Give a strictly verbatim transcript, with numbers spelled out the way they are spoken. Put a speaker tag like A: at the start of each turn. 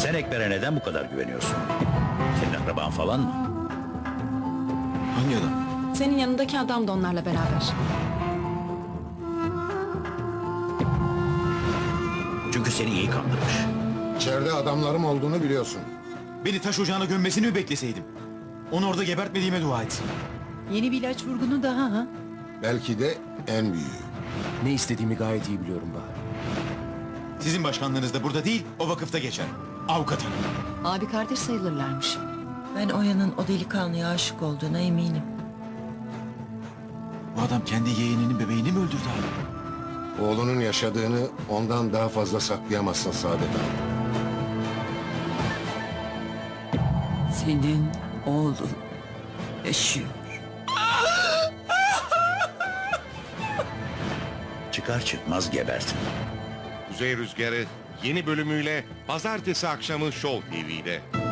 A: Sen Ekber'e neden bu kadar güveniyorsun? Senin akraban falan mı?
B: Hangi adam?
C: Senin yanındaki adam da onlarla beraber.
A: Çünkü seni iyi kandırmış.
D: İçeride adamlarım olduğunu biliyorsun.
B: Beni taş ocağına gömmesini mi bekleseydim? Onu orada gebertmediğime dua etsin.
E: Yeni bir ilaç vurgunu daha ha?
D: Belki de en büyüğü.
F: Ne istediğimi gayet iyi biliyorum Bahar.
B: Sizin başkanlığınız da burada değil, o vakıfta geçer. Avukat hanım.
E: Abi kardeş sayılırlarmış.
G: Ben Oya'nın o delikanlıya aşık olduğuna eminim.
B: Bu adam kendi yeğeninin bebeğini mi öldürdü abi?
D: Oğlunun yaşadığını ondan daha fazla saklayamazsın Saadet abi.
G: Senin oğlun yaşıyor.
A: Çıkar çıkmaz gebertin.
H: Kuzey Rüzgarı yeni bölümüyle pazartesi akşamı Show T V'de.